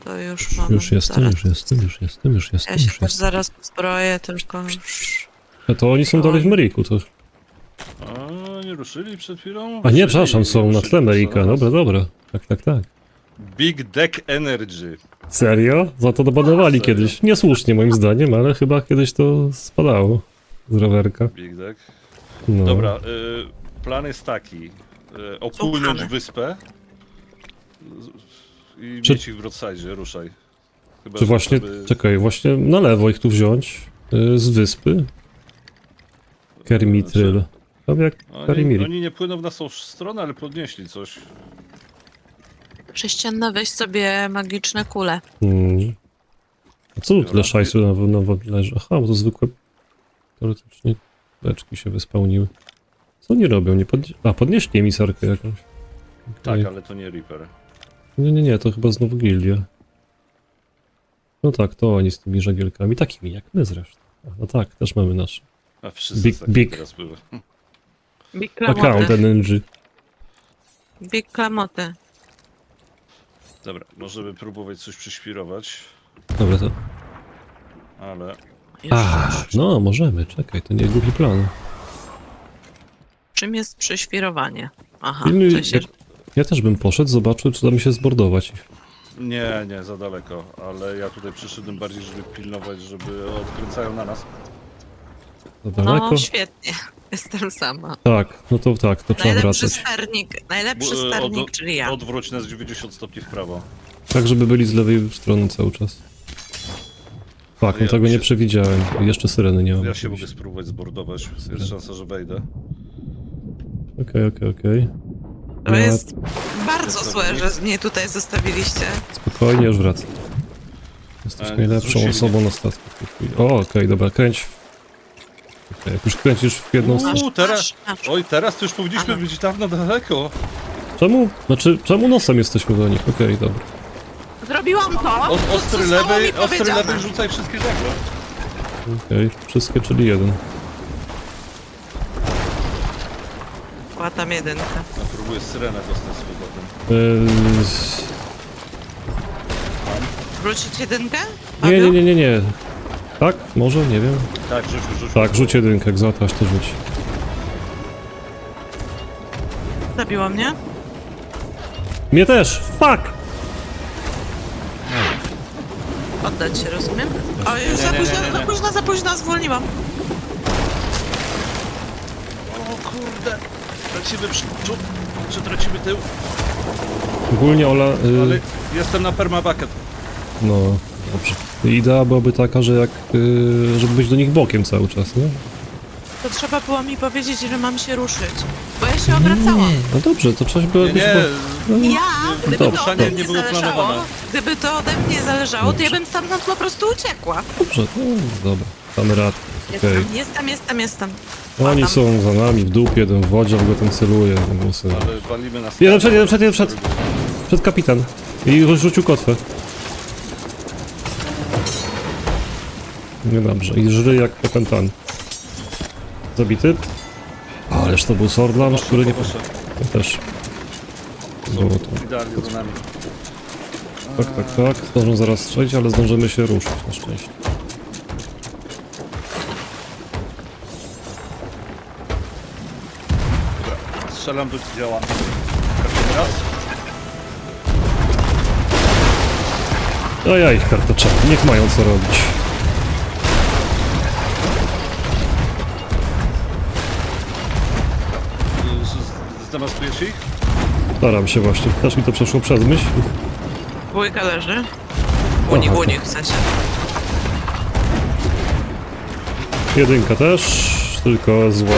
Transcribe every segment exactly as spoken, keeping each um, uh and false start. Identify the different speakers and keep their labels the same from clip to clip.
Speaker 1: to już mamy.
Speaker 2: Już jestem,
Speaker 1: zaraz.
Speaker 2: już jestem, już jestem, już jestem,
Speaker 1: Ja się
Speaker 2: już
Speaker 1: też
Speaker 2: jestem.
Speaker 1: zaraz zbroję, tylko już...
Speaker 2: A to oni są dalej w Meriku, to...
Speaker 3: A, nie ruszyli przed chwilą?
Speaker 2: A nie,
Speaker 3: Ruszyli,
Speaker 2: przepraszam, są na
Speaker 3: ruszyli,
Speaker 2: tle
Speaker 3: są
Speaker 2: Merika,
Speaker 3: na nas.
Speaker 2: dobra, dobra. Tak, tak, tak.
Speaker 3: Big Deck Energy.
Speaker 2: Serio? Za to dobanowali
Speaker 3: Serio?
Speaker 2: kiedyś. Niesłusznie moim zdaniem, ale chyba kiedyś to spadało z rowerka.
Speaker 3: Big Deck.
Speaker 2: No.
Speaker 3: Dobra, y, plan jest taki. Y, opłynąć
Speaker 1: Słuchamy.
Speaker 3: wyspę z- i
Speaker 2: Czy-
Speaker 3: mieć ich w broadside, ruszaj. Chyba,
Speaker 2: Czy
Speaker 3: że
Speaker 2: właśnie,
Speaker 3: żeby-
Speaker 2: czekaj, właśnie na lewo ich tu wziąć y, z wyspy? Kermitryl. To jak
Speaker 3: Oni,
Speaker 2: Karimiri.
Speaker 3: oni nie płyną w naszą stronę, ale podnieśli coś.
Speaker 1: Prześcienne weź sobie magiczne kule.
Speaker 2: Hmm. A co tu tyle
Speaker 3: Dobra.
Speaker 2: szajsu na, na wodzie leży? Aha, bo to zwykłe... Teoretycznie beczki się wyspełniły. Co oni robią? Nie podnie... A, podnieśli emisarkę jakąś.
Speaker 3: Tak,
Speaker 2: Okej.
Speaker 3: ale to nie Reaper.
Speaker 2: Nie, nie, nie, to chyba znowu gildia. No tak, to oni z tymi żagielkami, takimi jak my zresztą. A, no tak, też mamy nasz
Speaker 3: A wszyscy
Speaker 2: Big-
Speaker 3: tak
Speaker 2: big.
Speaker 3: teraz były.
Speaker 1: Big
Speaker 2: account
Speaker 1: klamoty.
Speaker 2: N N G.
Speaker 1: Big klamoty.
Speaker 3: Dobra, możemy próbować coś przyświrować,
Speaker 2: Dobra, to...
Speaker 3: ale...
Speaker 1: Już.
Speaker 2: A, no możemy, czekaj, to nie głupi plan.
Speaker 1: Czym jest prześwirowanie? Aha,
Speaker 2: Pilnuj,
Speaker 1: to się...
Speaker 2: jak, ja też bym poszedł, zobaczył, czy da mi się zbordować.
Speaker 3: Nie, nie, za daleko, ale ja tutaj przyszedłem bardziej, żeby pilnować, żeby odkręcają na nas.
Speaker 2: Za daleko?
Speaker 1: No świetnie, jestem sama.
Speaker 2: Tak, no to tak, to trzeba
Speaker 1: Najlepszy
Speaker 2: wracać.
Speaker 1: sternik, najlepszy
Speaker 3: Bu- e,
Speaker 1: sternik,
Speaker 3: od-
Speaker 1: czyli ja.
Speaker 3: Odwróć nas dziewięćdziesiąt stopni w prawo.
Speaker 2: Tak, żeby byli z lewej strony cały czas. Tak, no
Speaker 3: Ja
Speaker 2: tego nie
Speaker 3: się-
Speaker 2: przewidziałem. Jeszcze syreny nie mam.
Speaker 3: Ja się mogę
Speaker 2: oczywiście.
Speaker 3: spróbować zbordować, jest szansa, że wejdę.
Speaker 2: Okej, okej, okej.
Speaker 1: To
Speaker 2: Ja-
Speaker 1: jest bardzo
Speaker 3: Jest
Speaker 1: złe,
Speaker 3: dobry.
Speaker 1: że mnie tutaj zostawiliście.
Speaker 2: Spokojnie, już wracam. Jesteś
Speaker 3: Ale
Speaker 2: najlepszą
Speaker 3: zrzucili
Speaker 2: osobą na statku. w tej chwili. O, okej, dobra, kręć. Okej, jak już kręcisz w jedną
Speaker 3: Uuu.
Speaker 2: stronę.
Speaker 3: U, teraz-
Speaker 1: masz, masz.
Speaker 3: Oj, teraz to już powinniśmy
Speaker 1: Aha.
Speaker 3: być dawno daleko.
Speaker 2: Czemu? Znaczy, czemu nosem jesteśmy do nich? Okej, dobra.
Speaker 1: Zrobiłam to!
Speaker 3: Od,
Speaker 1: co
Speaker 3: ostry
Speaker 1: zostało
Speaker 3: lewej,
Speaker 1: mi
Speaker 3: ostry
Speaker 1: powiedziane.
Speaker 3: lewej rzucaj wszystkie żagle.
Speaker 2: Okej, wszystkie, czyli jeden.
Speaker 1: Łatam jedynkę.
Speaker 3: Ja próbuję syrenę dostać z powrotem.
Speaker 2: Eee,
Speaker 1: Wrócić jedynkę?
Speaker 2: nie, nie,
Speaker 1: Paweł?
Speaker 2: nie, nie, nie. Tak? Może? Nie wiem.
Speaker 3: Tak, rzuć, rzuć.
Speaker 2: Tak, rzuć jedynkę, jak załatwiasz, to rzuć.
Speaker 1: Zabiło mnie?
Speaker 2: Mnie też! Fuck!
Speaker 1: Oddać się, rozumiem? O, już
Speaker 3: Nie,
Speaker 1: za
Speaker 3: nie, nie,
Speaker 1: późno,
Speaker 3: nie,
Speaker 1: za
Speaker 3: nie.
Speaker 1: późno, za późno, zwolniłam.
Speaker 3: O kurde. Tracimy przód, czy tracimy tył?
Speaker 2: Ogólnie Ola... y,
Speaker 3: Ale jestem na permabucket.
Speaker 2: No, dobrze. Idea byłaby taka, że jak... y, żeby być do nich bokiem cały czas, nie?
Speaker 1: To trzeba było mi powiedzieć, że mam się ruszyć. Bo ja się obracałam.
Speaker 2: No dobrze, to coś było...
Speaker 3: Nie, nie,
Speaker 1: Ja, gdyby
Speaker 2: Dobrze.
Speaker 1: to ode
Speaker 3: nie
Speaker 1: mnie
Speaker 3: było
Speaker 1: zależało,
Speaker 3: planowane.
Speaker 1: gdyby to ode mnie zależało, to ja
Speaker 2: Dobrze.
Speaker 1: bym stamtąd po prostu uciekła.
Speaker 2: Dobrze, no, dobra. Damy radę. Okej.
Speaker 1: Jestem, jestem, jestem, jestem.
Speaker 2: Oni
Speaker 1: Ładam.
Speaker 2: są za nami w dupie, jeden w wodzie, on go tam celuje. ten syn.
Speaker 3: ale walimy na
Speaker 2: Jeden przed, jeden przed, jeden przed. Przed kapitan. I rzucił kotwę. No dobrze, i żry jak popętany. Zabity. Ależ to był Swordlaunch, który nie... Ja też. Było to.
Speaker 3: Idealnie za nami.
Speaker 2: Tak, tak, tak. Zdążą zaraz strzelić, ale zdążymy się ruszyć na szczęście.
Speaker 3: Strzelam do działa. Każdy raz.
Speaker 2: A ja ich kartoczę. Niech mają co robić.
Speaker 3: Z- z- Zdemastujesz ich?
Speaker 2: Staram się właśnie. Też mi to przeszło przez myśl.
Speaker 1: Dwójka leży. Uni,
Speaker 2: Aha,
Speaker 1: uni, w sensie.
Speaker 2: Jedynka też, tylko zła.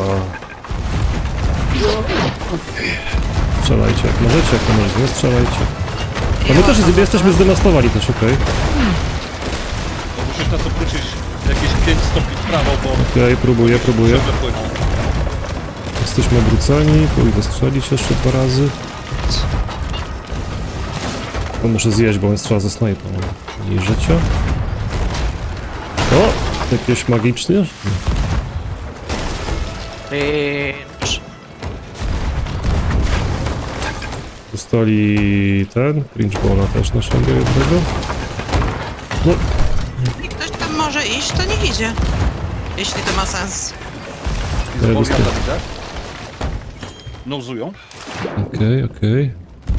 Speaker 2: Strzelajcie jak możecie, jak to możecie, nie strzelajcie. A my też jest- jesteśmy zdemastowani też, okej.
Speaker 3: Bo musisz nas obrócić jakieś pięć stopni w prawo, bo
Speaker 2: Okej, próbuję, próbuję.
Speaker 3: ciągle płyną.
Speaker 2: Jesteśmy obróceni, pójdę strzelić jeszcze dwa razy. To muszę zjeść, bo on strzela ze snajpą. Mniej życia. O! Jakieś magiczne?
Speaker 1: Pięć.
Speaker 2: Dostali ten, cringe balla też naszego jednego. No,
Speaker 1: I ktoś tam może iść, to niech idzie. Jeśli to ma sens.
Speaker 3: I z
Speaker 2: Ja
Speaker 3: Boga
Speaker 2: dostaję.
Speaker 3: widzę. Nozują.
Speaker 2: okej, okej.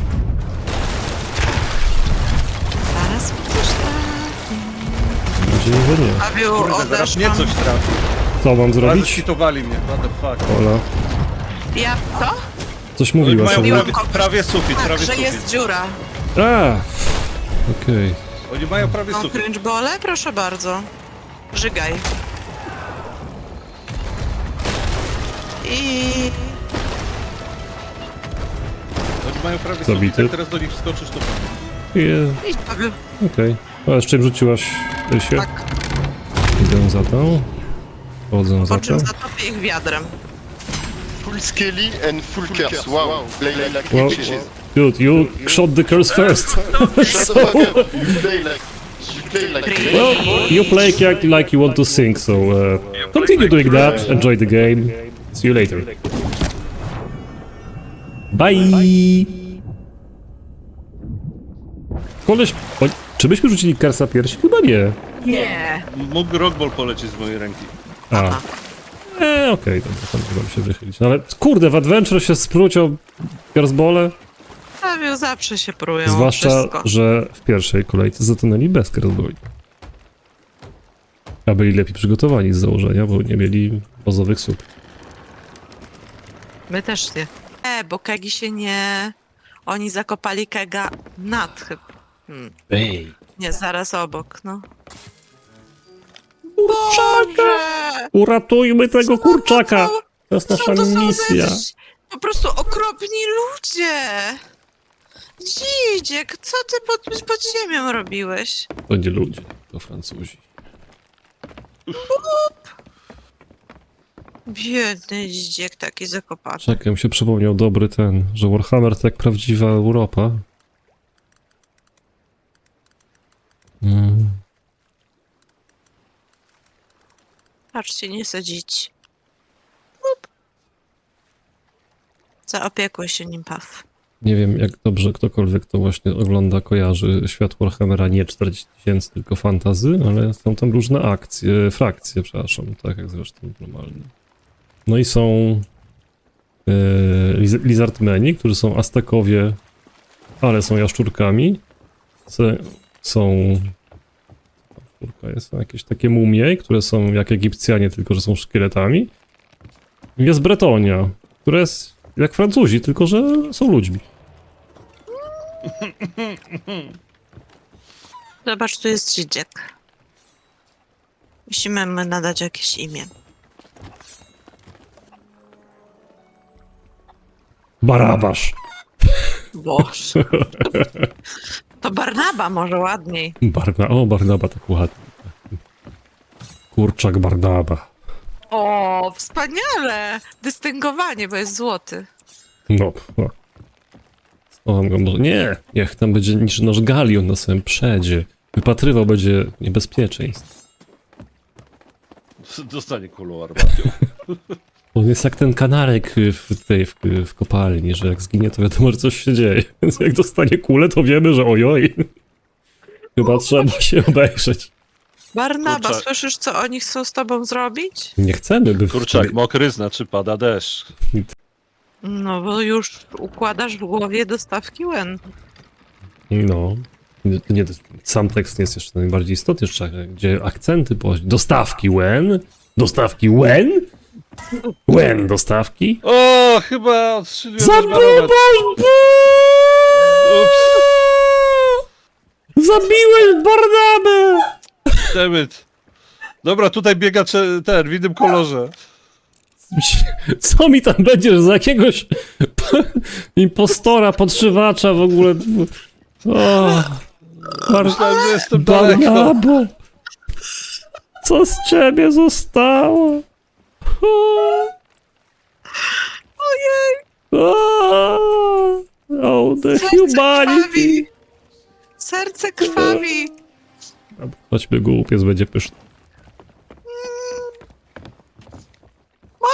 Speaker 1: Zaraz mi coś trafi.
Speaker 2: Mam nadzieję, że nie.
Speaker 1: Pawiu,
Speaker 3: Kurde, zaraz mnie
Speaker 1: odeszłam.
Speaker 3: coś trafi.
Speaker 2: Co mam
Speaker 3: Ale
Speaker 2: zrobić?
Speaker 3: skitowali mnie, what the fuck.
Speaker 2: Ola,
Speaker 1: Ja to?
Speaker 2: coś
Speaker 3: Oni
Speaker 2: mówiła
Speaker 3: mają
Speaker 2: sobie.
Speaker 3: prawie, prawie sufit,
Speaker 1: Tak,
Speaker 3: prawie
Speaker 1: że
Speaker 3: sufit.
Speaker 1: jest dziura.
Speaker 2: A! Okej.
Speaker 3: Oni mają prawie
Speaker 1: Mam
Speaker 3: sufit.
Speaker 1: cringe bole? Proszę bardzo. Żygaj. I...
Speaker 3: Oni mają prawie
Speaker 2: Zabity.
Speaker 3: sufit, jak teraz do nich wskoczysz, to pewnie.
Speaker 2: Je-
Speaker 1: Idź, Pawiu.
Speaker 2: Okej. A z czym rzuciłaś się?
Speaker 1: Tak.
Speaker 2: Idę za tą. Chodzę za
Speaker 1: Po czym
Speaker 2: tą.
Speaker 1: zatopię ich wiadrem.
Speaker 4: Full skelly and full curse. Wow. Play like
Speaker 2: Wow.
Speaker 4: bitches.
Speaker 2: Dude, you shot the curse first.
Speaker 4: Shut the fuck up. You play like... You play like...
Speaker 2: Well, you play like, like you want to sing, so uh, continue doing that. Enjoy the game. See you later. Bye! Koleś... O, czy byśmy rzucili Kersa piersi? Chyba nie.
Speaker 1: Nie.
Speaker 3: Mógł rockball polecieć z mojej ręki.
Speaker 2: A. Eee, okej, dobra, tam chyba się wychylić. No ale kurde, w Adventure się sprócią Kersbole.
Speaker 1: Pawiu, zawsze się prują.
Speaker 2: Zwłaszcza,
Speaker 1: Wszystko.
Speaker 2: że w pierwszej kolejce zatonęli bez Kersboli. A byli lepiej przygotowani z założenia, bo nie mieli bazowych słów.
Speaker 1: My też nie. E, bo kegi się nie... Oni zakopali kega nad chyba. Hmm.
Speaker 2: Ej.
Speaker 1: Nie, zaraz obok, no. Boże!
Speaker 2: Uratujmy tego kurczaka! To jest nasza
Speaker 1: Co to są za
Speaker 2: misja.
Speaker 1: jacyś po prostu okropni ludzie! Dzidziek, co ty pod, pod ziemią robiłeś?
Speaker 2: To nie ludzie, to Francuzi.
Speaker 1: Biedny dzidziek taki zakopany.
Speaker 2: Czekaj, mi się przypomniał dobry ten, że Warhammer to jak prawdziwa Europa. Mm.
Speaker 1: Patrzcie, nie sadzić. Up. Zaopiekuj się nim, Paw.
Speaker 2: Nie wiem, jak dobrze ktokolwiek to właśnie ogląda, kojarzy świat Warhammera nie czterdzieści tysięcy, tylko fantazy, ale są tam różne akcje, frakcje, przepraszam, tak jak zresztą normalnie. No i są e, liz Lizardmeni, którzy są Aztekowie, ale są jaszczurkami. Se, są... Jaszczurka jest, są jakieś takie mumie, które są jak Egipcjanie, tylko że są szkieletami. Jest Bretonia, która jest jak Francuzi, tylko że są ludźmi.
Speaker 1: Zobacz, tu jest dzidziek. Musimy mu nadać jakieś imię.
Speaker 2: Barabasz.
Speaker 1: Boże. To Barnaba może ładniej.
Speaker 2: Barna, o, Barnaba tak ładnie. Kurczak Barnaba.
Speaker 1: O, wspaniale! Dystyngowanie, bo jest złoty.
Speaker 2: No, no. Schowam go może. Nie, niech tam będzie niż nasz galion na samym przedzie. Wypatrywał będzie niebezpieczeństw.
Speaker 3: Dostanie kulą armatią.
Speaker 2: On jest jak ten kanarek w tej, w, w kopalni, że jak zginie, to wiadomo, że coś się dzieje. Więc jak dostanie kulę, to wiemy, że ojoj. Chyba trzeba się obejrzeć.
Speaker 1: Barnaba,
Speaker 3: Kurczak.
Speaker 1: słyszysz, co oni chcą z tobą zrobić?
Speaker 2: Nie chcemy, by... w-
Speaker 3: Kurczak, mokry znaczy pada deszcz.
Speaker 1: No, bo już układasz w głowie dostawki łen.
Speaker 2: No. Nie, nie, sam tekst nie jest jeszcze najbardziej istotny, jeszcze gdzie akcenty po dostawki when, dostawki when, when dostawki.
Speaker 3: O, chyba odstrzeliłem
Speaker 2: Zabiłeś!
Speaker 3: Ups,
Speaker 2: Zabiłeś Barnabę!
Speaker 3: dammit. Dobra, tutaj biega cze- ten, w innym kolorze.
Speaker 2: Co mi tam będziesz za jakiegoś impostora, podszywacza w ogóle? O, Bar
Speaker 3: Myślałem, że jestem daleko.
Speaker 2: Barnabo! Co z ciebie zostało?
Speaker 1: Ojej!
Speaker 2: Oh, the
Speaker 1: Serce
Speaker 2: humanity!
Speaker 1: krwawi! Serce krwawi!
Speaker 2: Chodźmy, głupiec będzie pyszny.
Speaker 1: Pa, pa, pa, pa, pa, pa, pa, pa, pa, pa.
Speaker 2: Za karę nie dostaniesz gryza.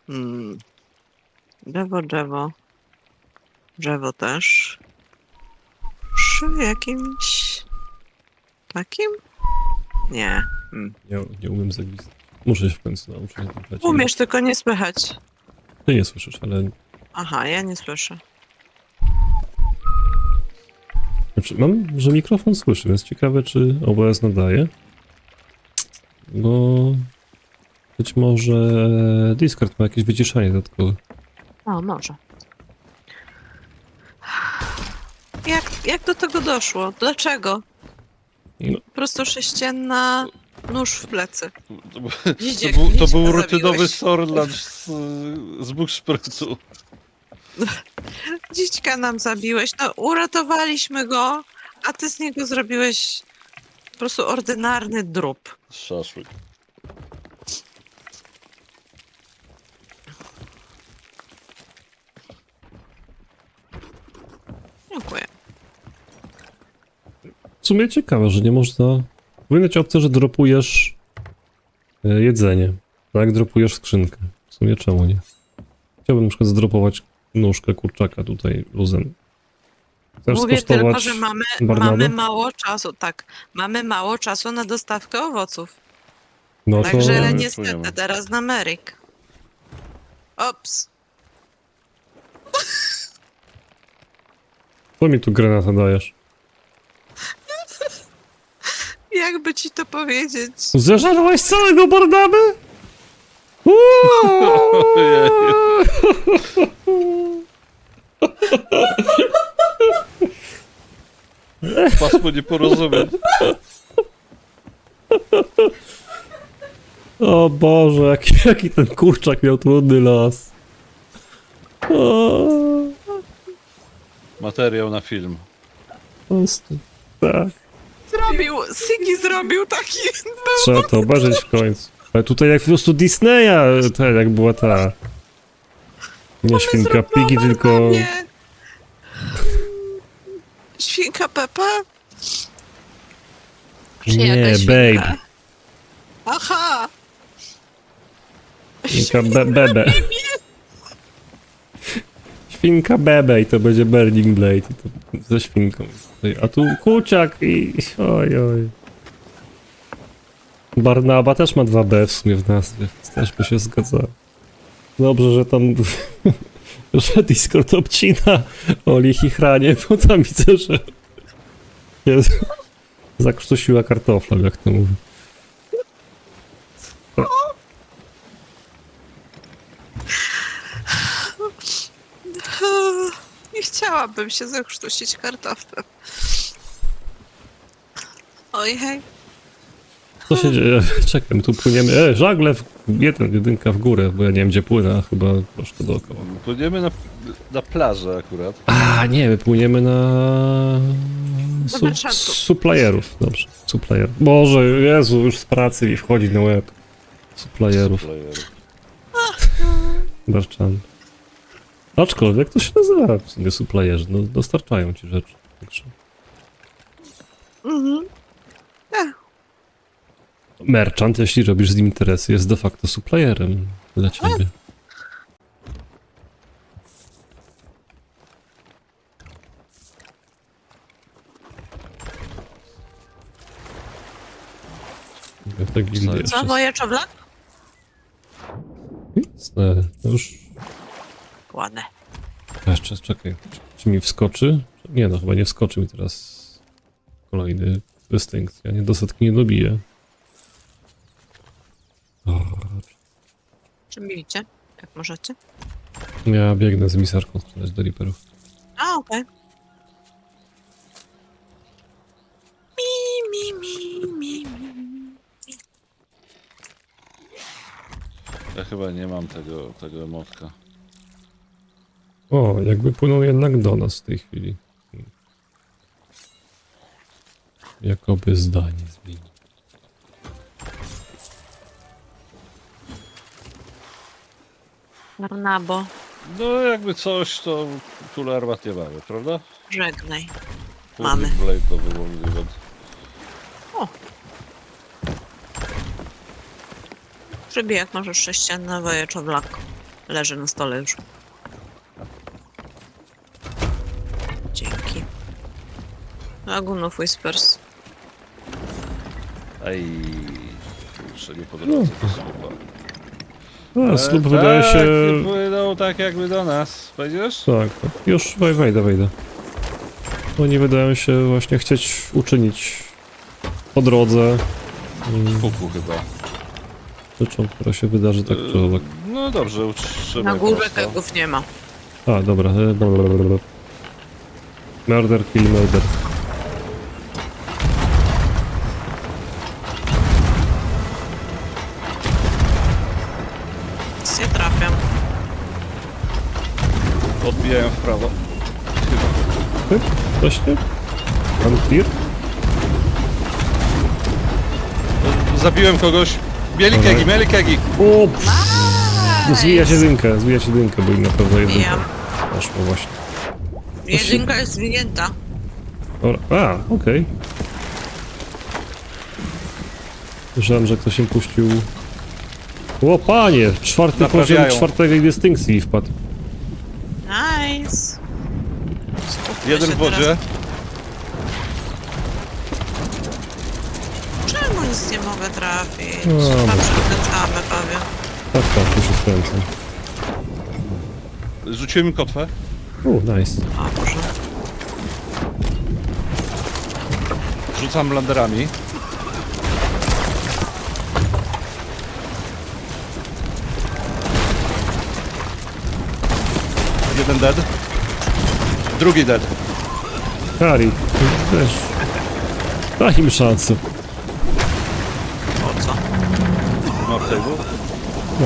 Speaker 1: Hmm. Drzewo, drzewo. Drzewo też. Przy jakimś... takim? Nie. Hmm.
Speaker 2: Nie, nie umiem zagwizdać. Muszę się w końcu nauczyć. nagrać.
Speaker 1: Umiesz, tylko nie słychać.
Speaker 2: Ty nie słyszysz, ale...
Speaker 1: Aha, ja nie słyszę.
Speaker 2: Znaczy, mam, że mikrofon słyszy, więc ciekawe, czy O B S nadaje. Bo... Być może Discord ma jakieś wyciszanie dodatkowe.
Speaker 1: O, może. Jak, jak do tego doszło? Dlaczego?
Speaker 2: No.
Speaker 1: Po prostu sześcienna, nóż w plecy.
Speaker 3: To, był-
Speaker 1: Dzidziek,
Speaker 3: to, był, to
Speaker 1: dziecka
Speaker 3: był rutynowy
Speaker 1: zabiłeś.
Speaker 3: sorlanch z, z Bukszprycu.
Speaker 1: Dzićka nam zabiłeś. No, uratowaliśmy go, a ty z niego zrobiłeś po prostu ordynarny drób.
Speaker 3: Szaszłyk.
Speaker 1: Dziękuję.
Speaker 2: W sumie ciekawe, że nie można... Powinna ci opcja, że dropujesz e, jedzenie. Tak, dropujesz skrzynkę. W sumie czemu nie? Chciałbym na przykład zdropować nóżkę kurczaka tutaj luzem. Chcesz
Speaker 1: Mówię
Speaker 2: skosztować
Speaker 1: tylko, że mamy,
Speaker 2: Barnabę?
Speaker 1: mamy mało czasu. Tak, mamy mało czasu na dostawkę owoców.
Speaker 2: No to...
Speaker 1: Także
Speaker 3: nie
Speaker 1: niestety
Speaker 3: wpłyniemy.
Speaker 1: teraz na Meryk. Ops.
Speaker 2: Co mi tu granata dajesz?
Speaker 1: Jakby ci to powiedzieć?
Speaker 2: Zeżarłeś całego Barnabę?
Speaker 3: Pasmo nieporozumień.
Speaker 2: O Boże, jaki, jaki ten kurczak miał trudny los. O,
Speaker 3: Materiał na film.
Speaker 2: po prostu, tak.
Speaker 1: Zrobił, Sigi zrobił taki...
Speaker 2: Trzeba to obejrzeć w końcu. Ale tutaj jak po prostu Disneya, ta, jak była ta... Nie świnka Piggy, tylko...
Speaker 1: Nie. Świnka Pepa? Czy
Speaker 2: Nie,
Speaker 1: jakaś świnka?
Speaker 2: Babe.
Speaker 1: Aha!
Speaker 2: Świnka be Bebe. Świnka Bebe i to będzie Burning Blade i to ze świnką. A tu kuciak i... Oj, oj. Barnaba też ma dwa B w sumie w nazwie, więc też by się zgadzało. Dobrze, że tam... że Discord obcina o Lichichranie, bo tam widzę, że... Jezu. Zakrztusiła kartofla, jak to mówi.
Speaker 1: Nie chciałabym się zakrztusić kartoflem. Oj, hej.
Speaker 2: Co się dzieje? Czekaj, my tu płyniemy. E, żagle, w... jeden, jedynka w górę, bo ja nie wiem gdzie płynę, a chyba troszkę dookoła.
Speaker 3: Płyniemy na, na plażę akurat.
Speaker 2: A, nie, my płyniemy na...
Speaker 1: Do
Speaker 2: Su
Speaker 1: Berszantów.
Speaker 2: supplierów, dobrze, supplier. Boże, Jezu, już z pracy mi wchodzi na łeb. Supplierów,
Speaker 3: Playerów.
Speaker 2: Barczan. Aczkolwiek to się nazywa w sumie supplierzy, no dostarczają ci rzeczy. Także.
Speaker 1: Mhm.
Speaker 2: Merchant, jeśli robisz z nim interesy, jest de facto supplierem dla ciebie. Ja tak gildię jeszcze...
Speaker 1: Co, moje czowlak?
Speaker 2: Jasne, no już...
Speaker 1: Ładne.
Speaker 2: Jeszcze, czekaj, czy, czy mi wskoczy? Nie no, chyba nie wskoczy mi teraz kolejny dystynkt. Ja nie do setki nie dobiję. O,
Speaker 1: Czy milicie? Jak możecie?
Speaker 2: ja biegnę z misarką sprzedać do Reaperów.
Speaker 1: A, okej. Mi, mi, mi, mi, mi.
Speaker 3: Ja chyba nie mam tego, tego emotka.
Speaker 2: O, jakby płyną jednak do nas w tej chwili. Hmm. Jakoby zdanie zmieni.
Speaker 1: Barnabo,
Speaker 3: No jakby coś, to tule armat nie mamy, prawda?
Speaker 1: żegnaj.
Speaker 3: Burning
Speaker 1: Mamy.
Speaker 3: Blade to było możliwe.
Speaker 1: Przybijak możesz sześcienne woje czowlak. Leży na stole już. Dzięki. Lagoon of Whispers.
Speaker 3: Ej, kurczę, nie po drodze to słupa.
Speaker 2: A, słup
Speaker 3: E,
Speaker 2: wydaje
Speaker 3: tak,
Speaker 2: się...
Speaker 3: nie płyną tak jakby do nas. Wejdziesz?
Speaker 2: Tak, tak. Już wej- wejdę, wejdę. Oni wydają się właśnie chcieć uczynić po drodze mm,
Speaker 3: Kuku chyba.
Speaker 2: rzeczą, która się wydarzy tak czy owak.
Speaker 3: No dobrze, utrzymaj
Speaker 1: Na górze
Speaker 3: prosto.
Speaker 1: kegów nie ma.
Speaker 2: A, dobra. e, blablabla. Murder, kill, murder.
Speaker 1: Nic nie trafiam.
Speaker 3: Odbijają w prawo.
Speaker 2: Ty? Coś nie? Pan tir?
Speaker 3: Zabiłem kogoś. Mieli
Speaker 2: Dawaj.
Speaker 3: kegi, mieli kegi.
Speaker 2: O! Zwija się dynkę, zwija się dynkę, bo im na pewno jedynka
Speaker 1: Bijam.
Speaker 2: poszło właśnie.
Speaker 1: Jedynka jest zwinięta.
Speaker 2: Dobra. A, okej. Słyszałem, że ktoś im puścił... O panie! Czwarty poziom
Speaker 3: Naprawiają.
Speaker 2: czwartej dystynkcji wpadł.
Speaker 1: Nice. Skupmy
Speaker 3: Jeden
Speaker 1: się
Speaker 3: w wodzie.
Speaker 1: teraz. Czemu nic nie mogę trafić?
Speaker 2: No,
Speaker 1: Chyba
Speaker 2: bo-
Speaker 1: przekręcamy pewnie.
Speaker 2: Tak, tak, już się skręcę.
Speaker 3: Rzuciłem im kotwę.
Speaker 2: O, nice.
Speaker 1: O, może.
Speaker 3: Rzucam landerami. Jeden dead. Drugi dead.
Speaker 2: Kari, też. Daj im szansę.
Speaker 1: Po co?
Speaker 3: Map table.
Speaker 2: No.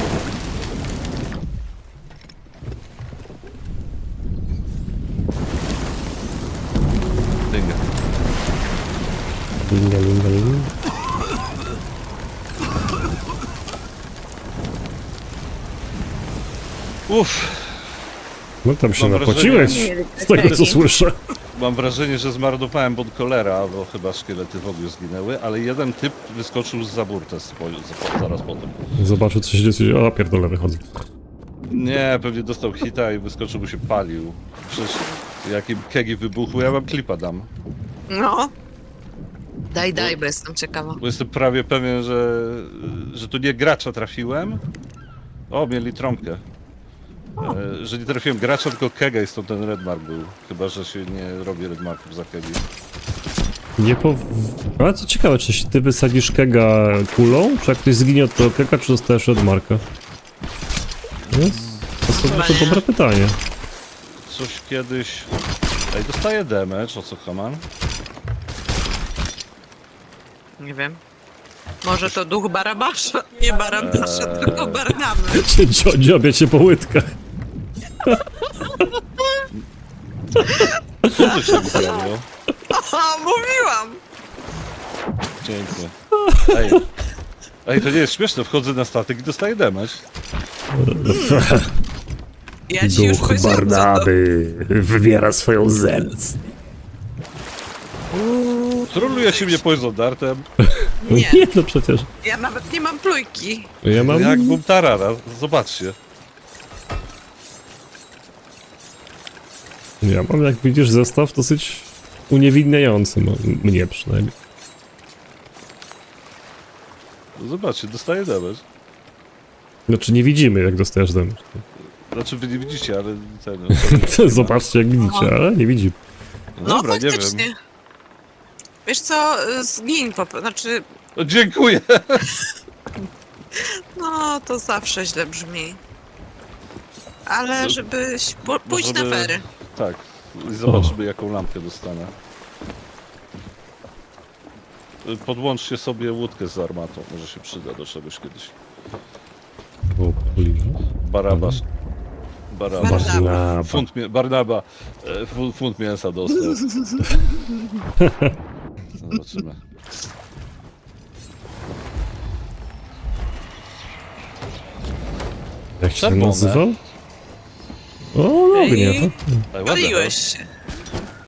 Speaker 3: Dynga.
Speaker 2: Linga, linga, linga.
Speaker 3: Uff.
Speaker 2: No tam się
Speaker 3: Mam
Speaker 2: napociłeś,
Speaker 1: wrażenie-
Speaker 2: z tego co słyszę.
Speaker 3: Mam wrażenie, że zmarnowałem pod cholera, bo chyba szkielety w ogóle zginęły, ale jeden typ wyskoczył z zaburtę z po, z, zaraz potem.
Speaker 2: Zobaczył co się dzieje, a pierdolę wychodzę.
Speaker 3: Nie, pewnie dostał hita i wyskoczył, bo się palił. Przecież jakim kegi wybuchły, ja wam klipa dam.
Speaker 1: No. Daj, daj, bo jestem ciekawa.
Speaker 3: Bo jestem prawie pewien, że, że tu nie gracza trafiłem. O, mieli trąbkę. E, że nie trafiłem gracza, tylko kega i stąd ten redmark był. Chyba, że się nie robi redmarków za kegi.
Speaker 2: Nie po... Ale co ciekawe, czy ty wysadzisz kega kulą, czy jak ktoś zginie od tego kega, czy dostajesz od marka? Jest? To sobie
Speaker 1: Chyba
Speaker 2: to
Speaker 1: nie.
Speaker 2: dobre pytanie.
Speaker 3: Coś kiedyś... Ej, dostaję damage, o co Haman?
Speaker 1: Nie wiem. Może to duch Barabasza? Nie Barabasza,
Speaker 3: Eee.
Speaker 1: tylko Barnaby.
Speaker 2: Cię dzio- dziobie cię po łydkach.
Speaker 3: Co tu się zrobiło?
Speaker 1: O, mówiłam!
Speaker 3: Pięknie. Ej. Ej, to nie jest śmieszne, wchodzę na statek i dostaję damage.
Speaker 1: Ja ci już powiedziałam, co to.
Speaker 2: wywiera swoją zemstę.
Speaker 3: Troluje się mnie poison dartem.
Speaker 2: Nie.
Speaker 1: Nie,
Speaker 2: nie, no przecież.
Speaker 1: ja nawet nie mam plujki.
Speaker 2: Ja mam...
Speaker 3: Jak bum tarara, zobaczcie.
Speaker 2: Ja mam, jak widzisz, zestaw dosyć uniewinniający, no, mnie przynajmniej.
Speaker 3: Zobaczcie, dostaję damage.
Speaker 2: Znaczy nie widzimy, jak dostajesz damage.
Speaker 3: Znaczy wy nie widzicie, ale ten...
Speaker 2: Zobaczcie, jak widzicie, ale nie widzimy.
Speaker 1: No,
Speaker 3: Dobra, nie
Speaker 1: faktycznie.
Speaker 3: wiem.
Speaker 1: Wiesz co, zgiń po prostu, znaczy,
Speaker 3: O, dziękuję!
Speaker 1: no to zawsze źle brzmi. Ale
Speaker 3: No,
Speaker 1: żebyś po, pójść
Speaker 3: żeby-
Speaker 1: na fery.
Speaker 3: Tak, i zobaczymy jaką lampkę dostanę. Podłączcie sobie łódkę z armatą, może się przyda do czegoś kiedyś.
Speaker 2: O, cholera.
Speaker 3: Barabasz. Barabasz.
Speaker 1: Barnaba.
Speaker 3: Funt mie- Barnaba. e, fu- Funt mięsa dostał. Zobaczymy.
Speaker 2: Jak się
Speaker 3: Czerwone.
Speaker 2: nazywał? O, ognie.
Speaker 1: Ej.
Speaker 3: Ej, ładne,
Speaker 1: Paliłeś się.